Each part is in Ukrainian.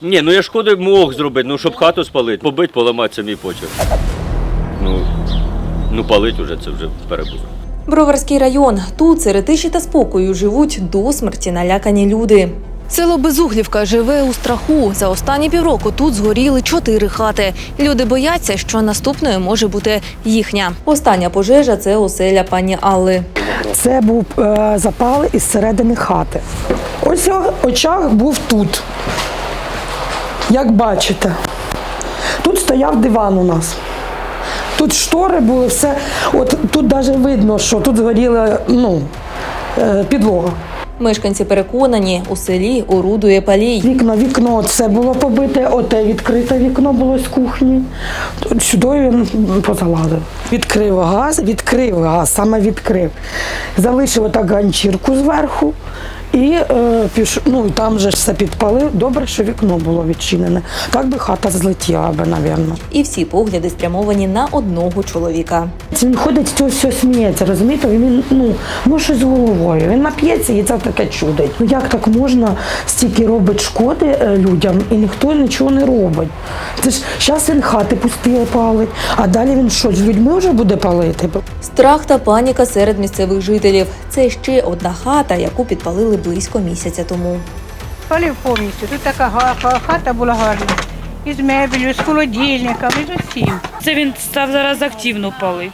Ні, ну я шкоди мог зробити, щоб хату спалити. Побити, поламати – це мій почерк. Ну палить уже, це вже перебув. Броварський район. Тут серед тиші та спокою живуть до смерті налякані люди. Село Безуглівка живе у страху. За останні півроку тут згоріли 4 хати. Люди бояться, що наступною може бути їхня. Остання пожежа – це оселя пані Алли. Це був запал із середини хати. Ось очаг був тут, як бачите. Тут стояв диван у нас. Тут штори були, все. От тут навіть видно, що тут згоріла підлога. Мешканці переконані, у селі орудує палій. Вікно, це було побите, оте відкрите вікно було з кухні. Сюди він позалазив. Відкрив газ, саме відкрив. Залишив отак ганчірку зверху і там же все підпалив. Добре, що вікно було відчинене. Так би хата злетіла би, мабуть. І всі погляди спрямовані на одного чоловіка. Він ходить, з цього все сміється, розумієте? Він, щось з головою. Він нап'ється і це таке чудить. Як так можна стільки робить шкоди людям і ніхто нічого не робить? Це ж зараз він хати пусті палить, а далі він що, з людьми вже буде палити? Страх та паніка серед місцевих жителів. Це ще одна хата, яку підпалили близько місяця тому. Палив повністю. Тут така хата була гарна. Із мебелью, з холодильниками, з усім. Це він став зараз активно палити.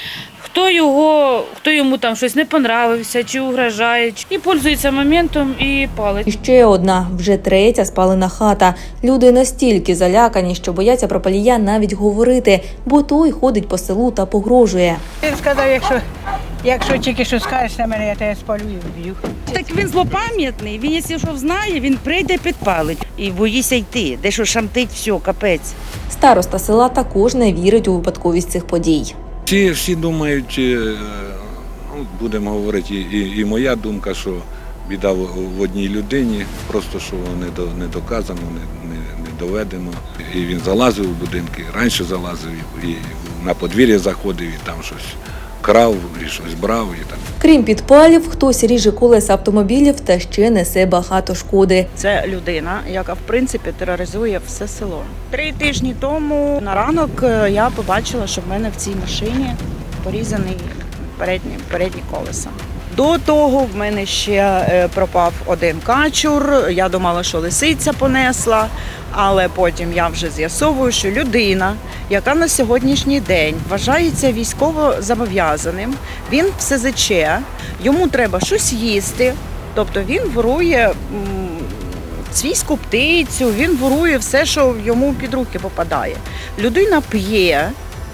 Хто йому там щось не понравився, чи угрожає, і пользується моментом і палить. І ще одна, вже третя спалена хата. Люди настільки залякані, що бояться про палія навіть говорити, бо той ходить по селу та погрожує. Він сказав, якщо тільки що скажеш на мене, я тебе спалю і вб'ю. Так він злопам'ятний, він, якщо що знає, він прийде підпалить. І боїся йти, де що шамтить, все, капець. Староста села також не вірить у випадковість цих подій. Всі думають, будемо говорити, і моя думка, що біда в одній людині, просто що не доказано, не доведено. І він залазив у будинки, раніше залазив, і на подвір'я заходив, і там щось крав, і щось брав. І так. Крім підпалів, хтось ріже колеса автомобілів та ще несе багато шкоди. Це людина, яка, в принципі, тероризує все село. 3 тижні тому на ранок я побачила, що в мене в цій машині порізаний передні колеса. До того в мене ще пропав один качур, я думала, що лисиця понесла, але потім я вже з'ясовую, що людина, яка на сьогоднішній день вважається військово зобов'язаним, він в СЗЧ, йому треба щось їсти, тобто він ворує свійську птицю, він ворує все, що йому під руки попадає. Людина п'є.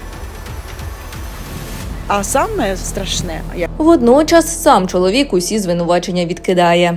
А саме страшне. Водночас сам чоловік усі звинувачення відкидає.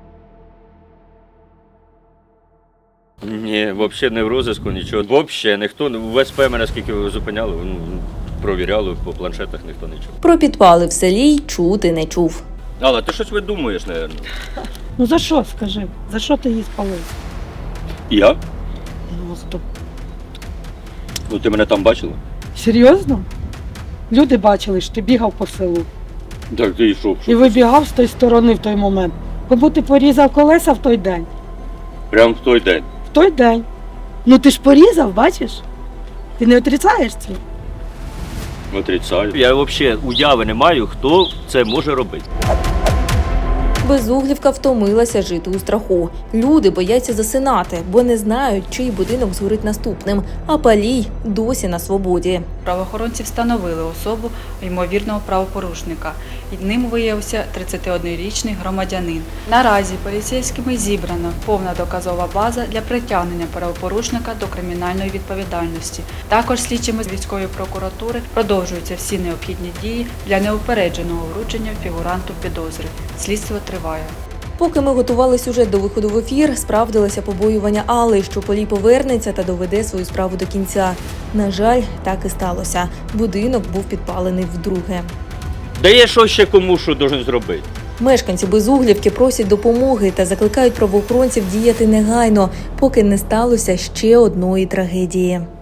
Ні, взагалі не в розиску, нічого. Взагалі ніхто, в СП мене скільки зупиняли, провіряли, по планшетах ніхто нічого. Про підпали в селі й чути не чув. Але ти щось видумуєш, мабуть. За що, скажи? За що ти її спалив? Я? Стоп. Ну ти мене там бачила? Серйозно? Люди бачили, що ти бігав по селу. Так ти йшов. І вибігав з тої сторони в той момент. Бо ти порізав колеса в той день. Прямо в той день. В той день. Ну ти ж порізав, бачиш? Ти не отрицаєш це? Отрицаю. Я взагалі уяви не маю, хто це може робити. Безуглівка втомилася жити у страху. Люди бояться засинати, бо не знають, чий будинок згорить наступним, а палій досі на свободі. Правоохоронці встановили особу ймовірного правопорушника. І ним виявився 31-річний громадянин. Наразі поліцейськими зібрана повна доказова база для притягнення правопорушника до кримінальної відповідальності. Також слідчими з військової прокуратури продовжуються всі необхідні дії для неупередженого вручення фігуранту підозри. Слідство триває. Поки ми готували сюжет до виходу в ефір, справдилося побоювання Алли, що Полій повернеться та доведе свою справу до кінця. На жаль, так і сталося. Будинок був підпалений вдруге. Да є що ще кому що должен зробити. Мешканці Безуглівки просять допомоги та закликають правоохоронців діяти негайно, поки не сталося ще одної трагедії.